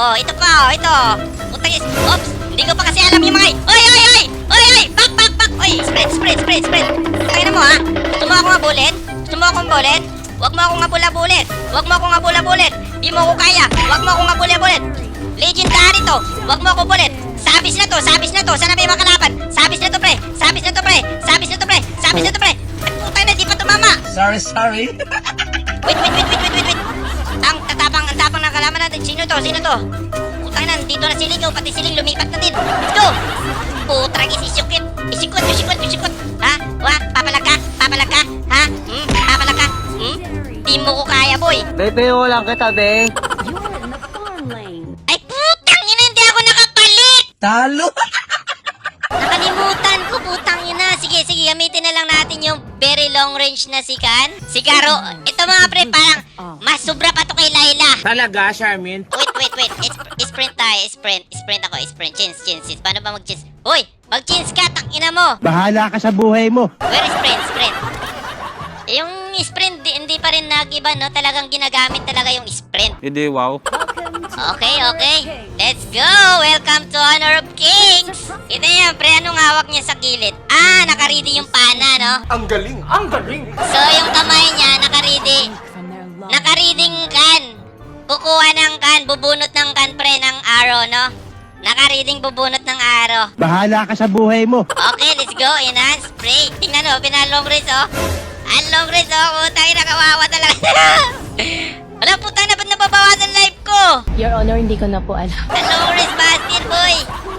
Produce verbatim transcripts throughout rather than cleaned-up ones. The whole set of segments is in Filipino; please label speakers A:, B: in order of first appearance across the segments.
A: Oh, ito pa, oh, ito. Putang is. Oops, hindi ko pa kasi alam yung mga... Oy, oy, oy! Oy, oy! Back, back, back! Oy, spread, spread, spread, spread. Kaya na mo, ha? Gusto mo akong abulit? Gusto mo akong bulit? Huwag mo akong abula-bulit. Huwag mo akong abula-bulit. Di mo ako kaya. Huwag mo akong abula-bulit. Legendary to. Huwag mo akong bulit. Sabis na to, sabis na to. Sana may makalaban. Sabis na to, pre. Sabis na to, pre. Sabis na to, pre. Sabis na to, pre. Ay, putay na, di pa tumama.
B: Sorry, sorry.
A: Wait, wait, wait, wait, wait, wait, wait. Ang tatapang, ang tapang ng kalaban natin. Sino to? Sino to? Putang na, dito na siling. Oh, pati siling lumipat na din. Let's go. Putrang isisikot. Isikot, isikot, isikot. Ha? Wa? Papalag ka? Papalag ka? Ha? Hmm? Papalag ka? Hmm? Di mo ko kaya, boy.
C: Bebe, lang kita, be.
A: Ay, putang ina, hindi ako nakapalit.
B: Talo.
A: Nakalimutan ko, putang ina. Sige, sige, gamitin na lang natin yung very long range na sikan. Sigaro. Ito mga pre, parang mas sobra pa to kay Layla.
B: Talaga, Charmin?
A: Wait, wait, wait. Is sprint tayo. Sprint. Sprint ako. Sprint. Chins, chins, chins. Paano ba mag-chins? Hoy! Mag-chins ka. Tang ina mo.
C: Bahala ka sa buhay mo.
A: Where is sprint? Sprint. Yung sprint, di, hindi pa rin nag-iba, no? Talagang ginagamit talaga yung sprint.
B: Hindi, wow.
A: Okay, okay. Let's go! Welcome to Honor of Kings! Ito yan, pre. Anong hawak niya sa gilid? Ah, nakaready yung pana, no?
D: Ang galing! Ang galing!
A: So, yung kamay niya, nakaready. Nakareading kan. Kukuha ng kan, bubunot ng kan, pre, ng arrow, no? Nakareading bubunot ng arrow.
C: Bahala ka sa buhay mo.
A: Okay, let's go. Enhance, spray. Tingnan o, pinalong race, oh. Ang long race, oh. Putang ina, kawawa talaga. Wala, putang na, ba't nababawasan life ko?
E: Your Honor, hindi ko na po alam.
A: Ang long race, bastard, boy.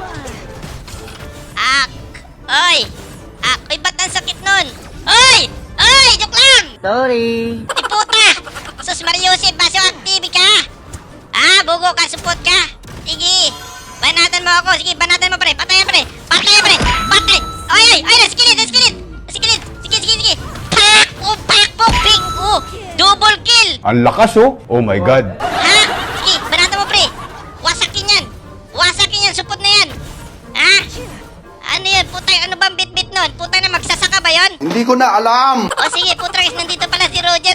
A: Ak. Oy. Ak. Oy, ba't ang sakit nun? Oy! Oy! Joke lang!
C: Sorry.
A: Di puta! Sus Mariusip, baso active ka! Ah, bugo ka, support ka! Sige! Banatan mo ako! Sige, banatan mo, pre! Patayan, pre! Patayan, pre! Patay! Ay, ay! Ay, nasikilid! Nasikilid! Nasikilid! Sige, sige, sige! Pak! Oh, pak! Oh, ping! Oh! Double kill!
D: Ang lakas oh! Oh my God!
A: Ha? Sige, banatan mo, pre! Wasakin yan! Wasakin yan! Support na yan! Ha? Ano yan? Putay, ano bang bit-bit nun? Putay na, magsasaka ba yon?
D: Hindi ko na alam!
A: O sige, putang is, nandito pala si Roger.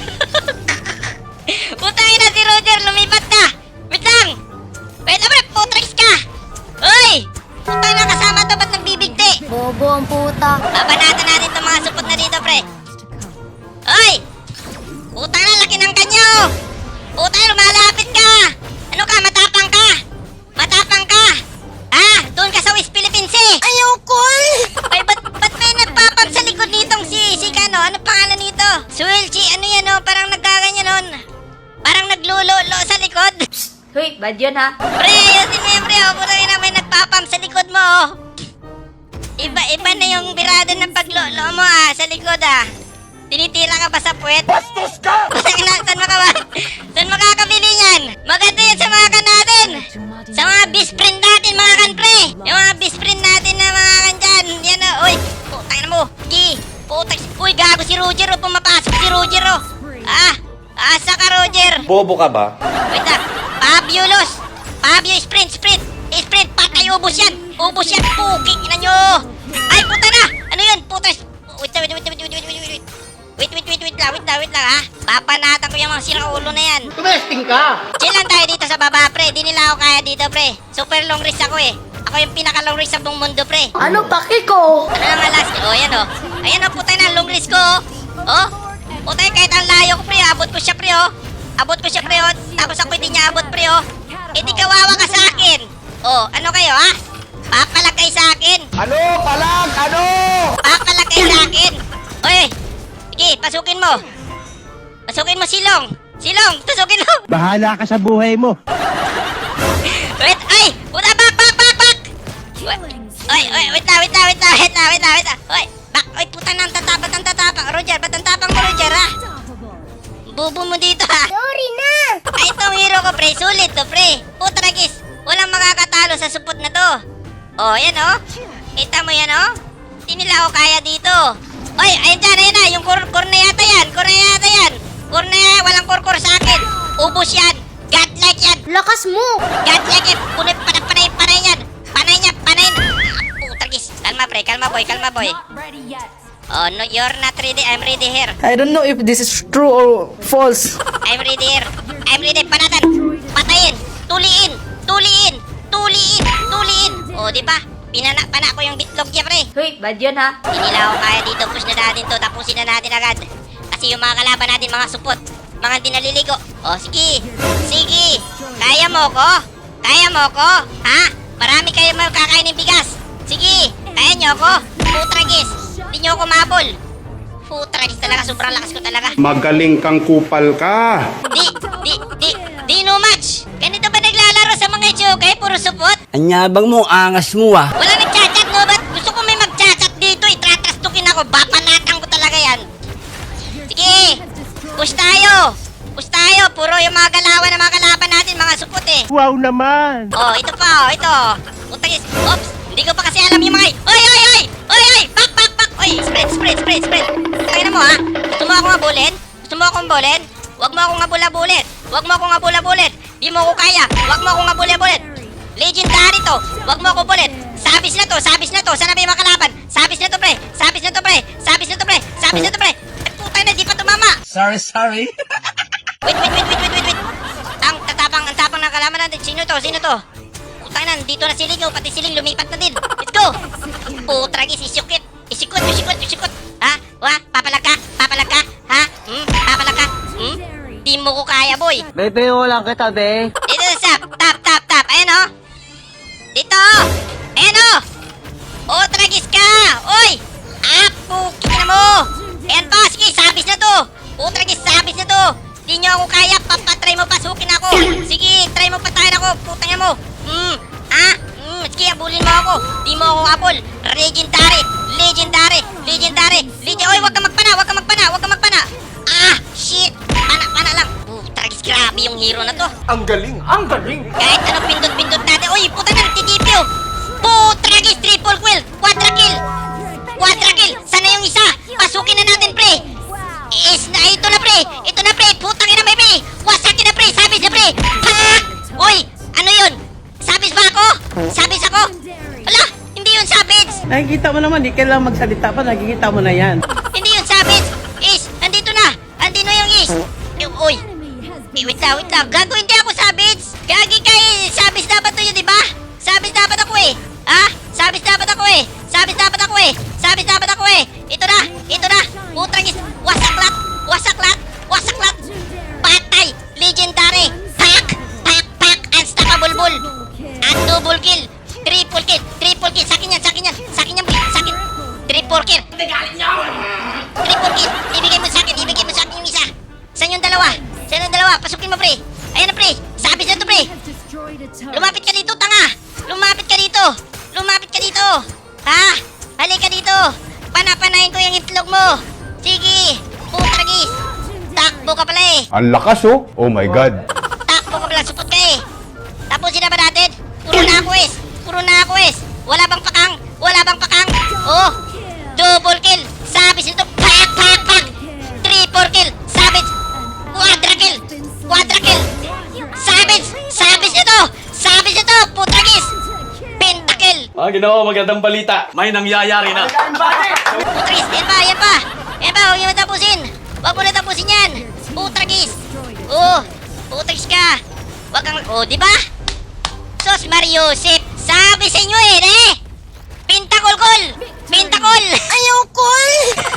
A: Putang ina si Roger, lumipat na. Wait lang. Wait, abre, putang is ka. Uy! Putang na, kasama to, ba't nagbibigti?
E: Bobo ang puta.
A: Babanatan natin itong mga supot na dito, pre. Uy! Putang na, laki ng kanyo. Putang na, lumalapit ka. Ano ka, matapang ka? Matapang ka? Ah, doon ka sa West Philippines eh. Ayoko eh. Ay, ba't, ba't may nagpapag sa likod nitong si, si Kano? Ano pangalan nito? Swelchi, ano yan oh? Parang nagkaganyan nun. Parang naglulolo sa likod.
E: Hoy, bad yun ha?
A: Pre, ayusin mo yun, pre. Oh, putang ina, may nagpapam sa likod mo oh. Iba, iba na yung birada ng paglolo mo ah, sa likod ah. Tinitira ka ba sa puwet?
D: Bastos ka!
A: Putang ina, saan makawa? Saan makakabili yan? Maganda yan sa mga kan natin. Sa mga best friend natin, mga kan, pre. Yung mga best friend natin na mga kan dyan. Yan oh, uy. Putang ina mo. Ki. Putang. Uy, gago si Roger oh. Pumapasok si Roger oh. Ah, asa ka, Roger.
D: Bobo ka ba?
A: Wait lang. Fabulous. Fabio, sprint, sprint. Sprint, patay, ubos yan. Ubos yan. Puking ina nyo. Ay, puta na. Ano yun? Puta. Wait, wait, wait, wait, wait, wait, wait, wait. Wait, wait, wait, wait lang, wait lang, wait lang, ha? Papanatan ko yung mga siraulo na yan.
D: Tumesting ka!
A: Chill lang tayo dito sa baba, pre. Di nila ako kaya dito, pre. Super long race ako, eh. Ako yung pinaka long race sa buong mundo, pre.
E: Ano paki ko?
A: Ano naman last? Oh, yan, oh. Ayan, oh, putay na, long race ko, oh. Oh, putay, kahit ang layo ko, pre, abot ko siya, pre, oh. Abot ko siya, pre, oh. Tapos ako hindi niya abot, pre, oh. Eh, di kawawa ka sa akin. Oh, ano kayo, ha? Papalag kayo sa akin.
D: Ano? Palag! Ano?
A: Papalag kayo sa akin. Oy, sige, pasukin mo. Pasukin mo, Silong. Silong, pasukin mo.
C: Bahala ka sa buhay mo.
A: Wait, ay! Puta, back, back, back, back! Wait, oy, oy, wait lang, wait lang, wait lang, wait lang, wait lang, wait lang. Oy, back, oy, puta na, ang tatapang, ang tatapang. Roger, ba't ang tapang mo, Roger, ha? Bubo mo dito, ha? Sorry na! Ay, itong hero ko, pre, sulit to, pre. Puta na, gis, walang makakatalo sa supot na to. Oh, yan, oh. Kita mo yan, oh. Hindi nila ako kaya dito. Oy, ayun dyan, ayun na, yung kur, kur na yata yan, kur na yata yan. Kur na yan, walang kur-kur sa akin. Ubus yan, godlike yan.
E: Lakas mo!
A: Godlike yan, punay, panay, panay, panay yan. Panay niya, panay na. Ah, putagis, kalma pre, kalma boy, kalma boy. Oh, no, you're not ready, I'm ready here.
F: I don't know if this is true or false.
A: I'm ready here. I'm ready, panatan, patayin, tuliin. O, di ba? Pinana-pana ko yung bitlog niya, pre.
E: Hoy, bad yun ha.
A: Hindi nila ako kaya dito. Push na natin to. Tapusin na natin agad. Kasi yung mga kalaban natin, mga supot. Mga hindi naliligo. O, sige. Sige. Kaya mo ko? Kaya mo ko? Ha? Marami kayo makakain ng bigas. Sige. Kaya nyo ko? Putragis. Hindi nyo ako mabol. Putragis talaga. Sobrang lakas ko talaga.
D: Magaling kang kupal ka.
A: Di, di, di, di no match. Ganito ba naglalaro sa mga Ichukay? Puro supot?
B: Anyabang mo, angas mo ah.
A: Wala nagchat-chat, no? Ba't gusto ko may mag-chat-chat dito? Itratrastukin ako. Bapanatan ko talaga yan. Sige. Push tayo. Push tayo. Puro yung mga galawan ng mga kalaban natin. Mga supot eh.
C: Wow naman!
A: Oh, ito pa. Oh, ito. Utagis. Oops. Hindi ko pa kasi alam yung mga... Oy, oy, oy! Oy, oy! Back, back, back! Oy, spread, spread, spread, spread. Kaya na mo, ha? Gusto mo akong abulin? Gusto mo akong bulin? Huwag mo akong abula-bulit. Huwag mo akong abula-bulit. Di mo ko kaya. Huwag mo akong abula-bulit. Legendary to. Huwag mo akong bulit. Sabis na to, sabis na to. Sana ba yung mga kalaban? Sabis na to, pre. Sabis na to, pre. Sabis na to, pre. Sabis na to, pre. Ay, putay na, di pa tumama.
B: Sorry, sorry.
A: Wait, wait, wait, wait, wait, wait, wait. Ang tatapang, ang tapang ng kalaban natin. Sino to? Sino to? Putang na, dito na siling. Oh, pati siling lumipat na din. Let's go. Putragis, isikot. Isikot, isikot, isikot. Ha? Wa? Papalag ka? Papalag ka? Ha? Hmm? Papalag ka? Hmm? Di mo ko kaya, boy.
C: Bebe, wala kita, be.
A: Dito sa tap, tap, tap, tap. Ayan, oh. Dito, oh. Ayan, oh. Oh, tragis ka. Oy. Ah, pukin na mo. Ayan pa, sige, sabis na to. Oh, tragis, sabis na to. Di nyo ako kaya, papatry mo, pasukin ako. Sige, try mo patayin ako. Putang mo. Hmm, ah, hmm, sige, abulin mo ako. Di mo ako abol. Legendary, legendary, legendary, legendary. Oy, wag ka magpana, wag ka magpana, wag ka magpana. Ah, shit. Pana, pana lang. Oh, tragis, grabe yung hero na to.
D: Ang galing, ang galing.
A: Kahit ano pindot-pindot natin. Uy, puta na, nagtitipyo. Putragis, triple kill, quadra kill. Quadra kill. Sana yung isa. Pasukin na natin, pre. Is na, ito na, pre. Ito na, pre. Putang ina, may pre. Wasakin na, pre. Sabis na, pre. Pak! Uy, ano yun? Sabis ba ako? Sabis ako? Ala, hindi yun sabis.
C: Nakikita mo naman, di kailangan magsalita pa, nakikita mo na yan.
A: Hindi yun sabis. Is, andito na. Andito yung is. Eh, Uy. Eh, wait lang, wait lang. Gago, hindi ako sabits. Gagi ka eh. Sabits dapat to yun, di ba? Sabits dapat ako eh. Ha? Sabits dapat ako eh. Sabits dapat ako eh. Sabits dapat ako eh. Ito na, ito na. Putragis. Wasaklat. Wasaklat. Wasaklat. Patay. Legendary. Pak. Pak, pak. Unstoppable bull. At double kill. Triple kill. Triple kill. Sakin yan, sakin yan. Sakin yan, pre. Sakin. Triple kill. Triple kill. Ibigay mo sa akin. Ibigay mo sa akin yung isa. Saan yung dalawa? Saan yung dalawa? Pasukin mo, pre. Ayan na, pre. Sabis na to, pre. Lumapit ka dito, tanga. Lumapit ka dito. Lumapit ka dito. Ha? Halika dito. Panapanahin ko yung itlog mo. Sige. Putragis. Takbo ka pala eh.
D: Ang lakas oh. Oh my God.
A: Takbo ka pala. Supot ka eh. Tapusin na ba natin? Puro na ako eh. Puro na ako eh. Wala bang pakang? Wala bang pakang? Oh. Double kill. Sabis nito. Pak, pak, pak. Triple kill. Sabis. Quadra kill. Quadra kill. Sabis. Sabis nito. Sabis nito. Putragis. Pentakill.
F: Mga ginawa, magandang balita. May nangyayari na.
A: Putragis. Yan pa. Yan pa. Yan pa. Huwag mo na tapusin. Huwag mo na tapusin yan. Putragis. Oh. Putragis ka. Huwag kang... Oh, di ba? Sos Mariusip. Sabi sa inyo eh, eh. Pintakol-kol. Pintakol. Ayaw kol.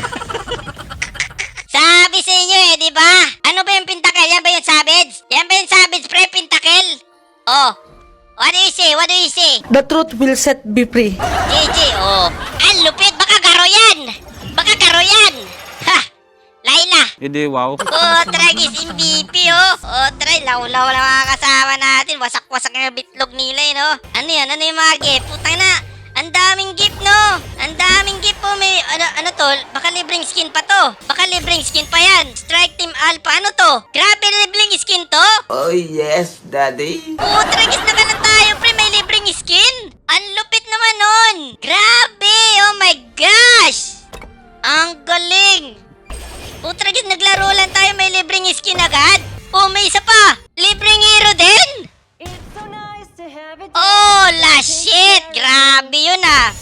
A: Sabi sa inyo eh, di ba? Ano ba yung pintakil? Yan ba yung savage? Yan ba yung savage, pre? Pintakil? Oh. What do you say? What do you say?
G: The truth will set me free.
A: J J, oh. Ang lupit. Baka garo yan. Baka garo yan. Ha. Laila.
C: Hindi, wow.
A: Oh, tragis M V P, oh. Oh, try. Law-law na mga kasama natin. Wasak-wasak yung bitlog nila, eh, no? Ano yan? Ano yung mga gift? Putang na. Ang daming gift, no? Ang daming gift po. May, ano, ano to? Baka libreng skin pa to. Baka libreng skin pa yan. Strike Team Alpha. Ano to? Grabe, libreng skin to?
B: Oh yes, daddy.
A: Oh, tragis na ka na tayo, pre. May libreng skin. Ang lupit naman nun. Grabe. Oh my gosh. Ang galing. Oh, tragis, naglaro lang tayo. May libreng skin agad. Oh, may isa pa. Libreng hero din. Oh, la shit. Grabe yun ah.